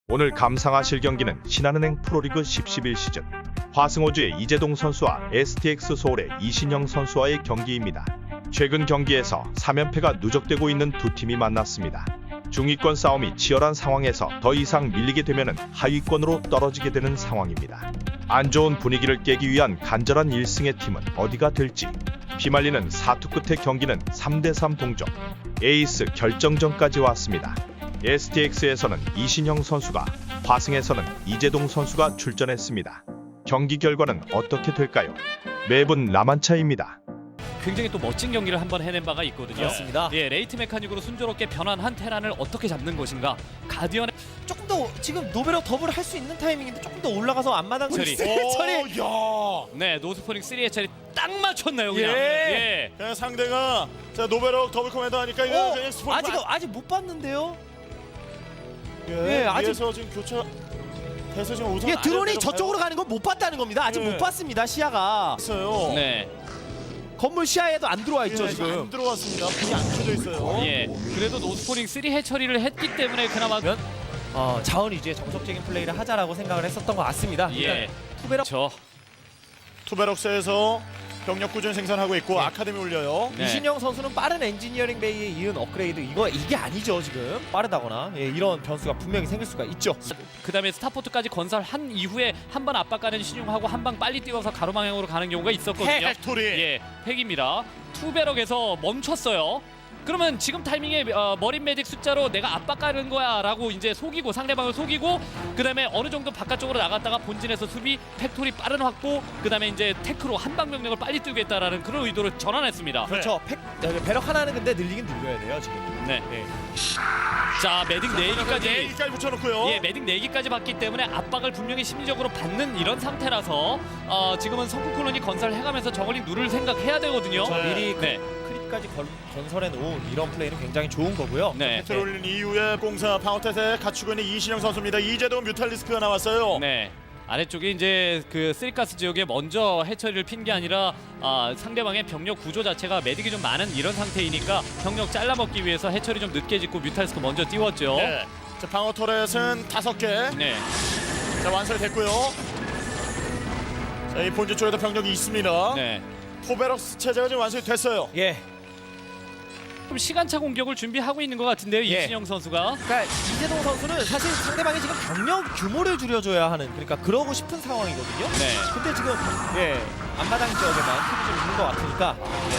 오늘 감상하실 경기는 신한은행 프로리그 10-11 시즌 화승호주의 이재동 선수와 STX 서울의 이신영 선수와의 경기입니다. 최근 경기에서 3연패가 누적되고 있는 두 팀이 만났습니다. 중위권 싸움이 치열한 상황에서 더 이상 밀리게 되면 하위권으로 떨어지게 되는 상황입니다. 안 좋은 분위기를 깨기 위한 간절한 1승의 팀은 어디가 될지 피말리는 사투 끝의 경기는 3대3 동점, 에이스 결정전까지 왔습니다. STX에서는 이신영 선수가, 화승에서는 이재동 선수가 출전했습니다. 경기 결과는 어떻게 될까요? 매분 라만차입니다. 굉장히 또 멋진 경기를 한번 해낸 바가 있거든요. 그렇습니다. 예, 레이트 메카닉으로 순조롭게 변환한 테란을 어떻게 잡는 것인가. 가디언의 조금 더 지금 노베럭 더블 할 수 있는 타이밍인데 조금 더 올라가서 앞마당 처리. 처리. 네, 노스포닉 3의 차례 딱 맞췄나요, 그냥. 예. 그냥 상대가 자 노베럭 더블 코맨더 하니까 이거 그냥 스포츠 아직 못 봤는데요. 예, 아직- 위에서 지금 교차 돼서 지금 우선 이게 드론이 저쪽으로 가는 건 못 봤다는 겁니다. 아직 예. 못 봤습니다. 시야가 있어요. 네. 건물 시야에도 안 들어와 있죠 예, 지금. 안 들어왔습니다. 불이 안 켜져 있어요. 예. 그래도 노스포닉 3 해처리를 했기 때문에 그나마 자원 위주의 정석적인 플레이를 하자라고 생각을 했었던 것 같습니다. 예. 투베럭 저 투베럭스에서 병력 꾸준히 생산하고 있고 아카데미 올려요. 네. 이신영 선수는 빠른 엔지니어링 베이에 이은 업그레이드 이게 아니죠 지금. 빠르다거나 이런 변수가 분명히 생길 수가 있죠. 그다음에 스타포트까지 건설한 이후에 한 번 압박가는 신용하고 한 방 빨리 뛰어서 가로방향으로 가는 경우가 있었거든요. 팩토리. 예, 팩입니다. 투베럭에서 멈췄어요. 그러면 지금 타이밍에 머린 메딕 숫자로 내가 압박가는 거야 라고 이제 속이고 상대방을 속이고 그다음에 어느 정도 바깥쪽으로 나갔다가 본진에서 수비, 팩토리 빠른 확보, 그다음에 이제 테크로 한방 병력을 빨리 뛰겠다라는 그런 의도를 전환했습니다. 그렇죠. 배럭 하나는 근데 늘리긴 늘려야 돼요 지금. 네. 자, 메딕 4기까지 내일까지 붙여놓고요. 예, 메딕 4기까지 받기 때문에 압박을 분명히 심리적으로 받는 이런 상태라서 지금은 성큼 콜로니 건설해가면서 저걸링 누를 생각해야 되거든요. 네. 미리 네. 크립까지 건설해 놓은 이런 플레이는 굉장히 좋은 거고요. 네. 팩토리 올린 이후에 공사 파워텟에 갖추고 있는 이신영 선수입니다. 이재동 뮤탈리스크가 나왔어요. 네. 아래쪽에 이제 그 쓰리가스 지역에 먼저 해처리를 핀 게 아니라 상대방의 병력 구조 자체가 메딕이 좀 많은 이런 상태이니까 병력 잘라먹기 위해서 해처리 좀 늦게 짓고 뮤탈리스크 먼저 띄웠죠. 네. 자 방어 터렛은 5개. 네. 자 완성이 됐고요. 자 이 본진 쪽에도 병력이 있습니다. 네. 포베럭스 체제가 지금 완성이 됐어요. 예. 좀 시간차 공격을 준비하고 있는 것 같은데요, 예. 이신영 선수가. 그러니까 이재동 선수는 사실 상대방이 지금 병력 규모를 줄여줘야 하는 그러니까 그러고 싶은 상황이거든요. 네. 근데 지금 앞마당 지역에만 팁이 좀 있는 것 같으니까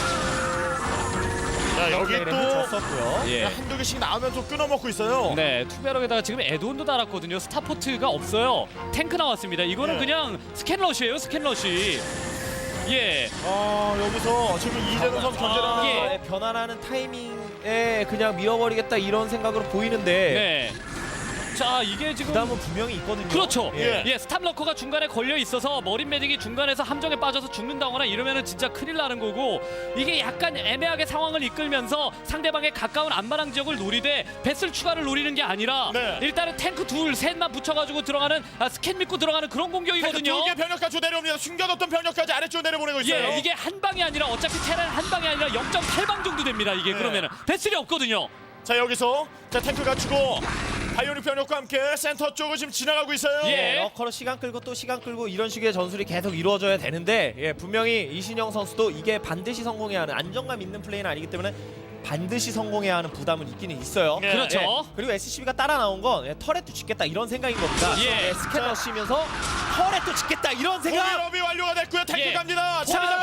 자 여기 또 줬었고요. 예. 한두 개씩 나오면 또 끊어먹고 있어요. 네, 투베럭에다가 지금 에드온도 달았거든요. 스타포트가 없어요. 탱크 나왔습니다. 이거는 예. 그냥 스캔러시예요, 스캔러시. 예. 여기서 지금 이재동 선수 견제를 하면서 예. 변환하는 타이밍에 그냥 밀어버리겠다 이런 생각으로 보이는데 네. 자, 이게 지금 부담은 분명히 있거든요. 그렇죠. 예. 예, 스탑러커가 중간에 걸려 있어서 머린 메딕이 중간에서 함정에 빠져서 죽는다거나 이러면은 진짜 큰일 나는 거고, 이게 약간 애매하게 상황을 이끌면서 상대방의 가까운 안마랑 지역을 노리되 배슬 추가를 노리는 게 아니라 네. 일단은 탱크 둘, 셋만 붙여가지고 들어가는 스캔 믿고 들어가는 그런 공격이거든요. 두개 병력까지 내려옵니다. 숨겨뒀던 병력까지 아래쪽으로 내려보내고 있어요. 예, 이게 한 방이 아니라 어차피 테란 한 방이 아니라 0.8방 정도 됩니다. 이게 네. 그러면은 배슬이 없거든요. 자 여기서 자 탱크 갖추고 바이오닉 병력과 함께 센터 쪽을 지금 지나가고 있어요. 예. 러커로 시간 끌고 또 시간 끌고 이런 식의 전술이 계속 이루어져야 되는데 분명히 이신영 선수도 이게 반드시 성공해야 하는 안정감 있는 플레이는 아니기 때문에 반드시 성공해야 하는 부담은 있기는 있어요. 예. 그렇죠. 그리고 SCB가 따라 나온 건 터렛도 짓겠다 이런 생각인 겁니다. 예. 스캐너 씌면서 터렛도 짓겠다 이런 생각. 공일업이 완료가 됐고요. 탱크 예. 갑니다.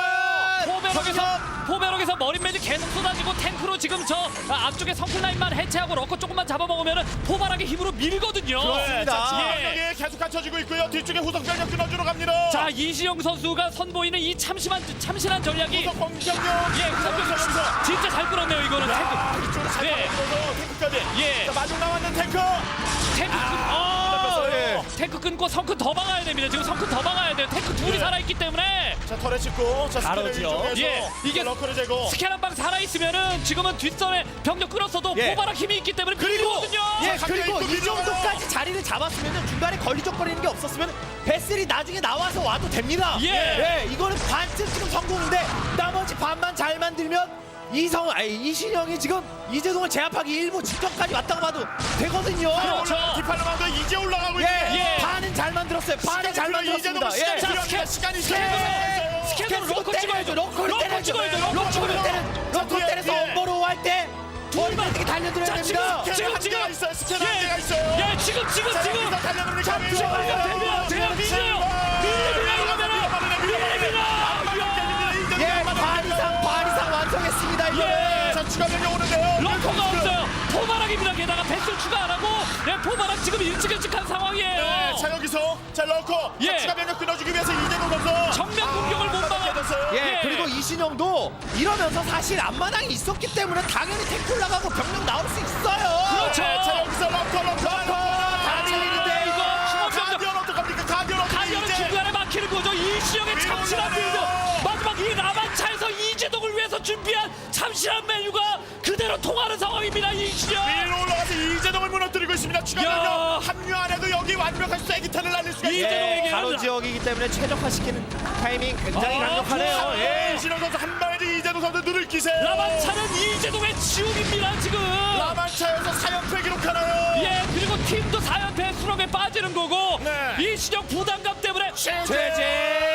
포베럭에서 머린 매직 계속 쏟아지고 탱크로 지금 저 앞쪽에 성클라인만 해체하고 러커 조금만 잡아먹으면 포바락의 힘으로 밀거든요. 네, 자 예. 병력이 계속 갖춰지고 있고요. 뒤쪽에 후속 병력 끊어주러 갑니다. 자, 이시영 선수가 선보이는 이 참신한 전략이 후속 공격력. 예, 공격력. 진짜 잘 끌었네요. 이거는 탱크. 이쪽으로 잘 네. 끌어서 탱크까지. 예. 자 마중 나왔는 탱크. 탱크 끊고 성큰 더 박아야 됩니다. 지금 성큰 더 박아야 돼요. 탱크 둘이 네. 살아있기 때문에 자 털에 찍고 자 스캐너 바로죠. 위쪽에서 예, 이게 러커를 제거. 스캔 한 방 살아있으면은 지금은 뒷선에 병력 끌었어도 예. 포바락 힘이 있기 때문에 그리고 밀리거든요. 예, 자, 그리고 가까이 이 또 정도까지 자리를 잡았으면 중간에 걸리적거리는 게 없었으면 베슬이 나중에 나와서 와도 됩니다. 예. 이거는 반쯤 지금 성공인데 나머지 반만 잘 만들면 이신영이 지금 이재동을 제압하기 일부 직전까지 왔다고 봐도 되거든요. 그렇죠. 디팔로만도 이제 올라가고 예, 있는데 반은 잘 만들었어요. 반은 잘 만들었습니다. 시간이 예. 필요합니다. 시간이 스캔으로 로커 찍어야죠. 로커를 로커 때려야죠. 찍어야죠. 로커 로커를 찍어야죠. 로커 뒤에, 때려서 뒤에. 엄버로 할 때 머리를 달려들어야 자, 됩니다. 지금 한계가 있어요. 스캔 한계가 있어요. 예, 지금 달려들는 자, 들어가면 됩니다. 제가 밀려요. 예, 반 이상 완성했습니다. 이거. 예. 자, 추가 변경 오는데요. 러커가 없어요. 포바락입니다. 게다가 배수 추가 안 하고 포바락 지금 일찍한 상황이에요. 네, 자 여기서 자 러커 예. 추가 변경 끊어주기 위해서 이재동 선수 정면 공격을 못 막아. 됐어요. 예, 예. 그리고 이신영도 이러면서 사실 앞마당이 있었기 때문에 당연히 태클 나가고 병력 나올 수 있어요. 그렇죠. 네, 자 여기서 러커 다 밀리는데 이거 가디언 어떡합니까? 가디언 가디언은 중간에 막히는 거죠. 이시영의 위로 참신한 빌드. 올라가요. 마지막 이 라만차에서 이재동을 위해서 준비한 참신한 메뉴가 그대로 통하는 상황입니다. 이시영. 위로 올라가서 이재동을 무너뜨리고 있습니다. 추가 야. 변경 합류 안 해도 여기 완벽한 쐐기탄을 날릴 수가 있어요. 이재동에게 가로 지역이기 때문에 최적화시키는 타이밍 굉장히 강력하네요. 예. 이신호 선수 한 방에 이재동 선수 눈을 끼세. 라만차는 이재동의 지옥입니다. 지금. 라만차에서 4연패 기록하나요? 예, 그리고 팀도 4연패 수렁에 빠지는 거고 네. 이시영 부담감 때문에 최재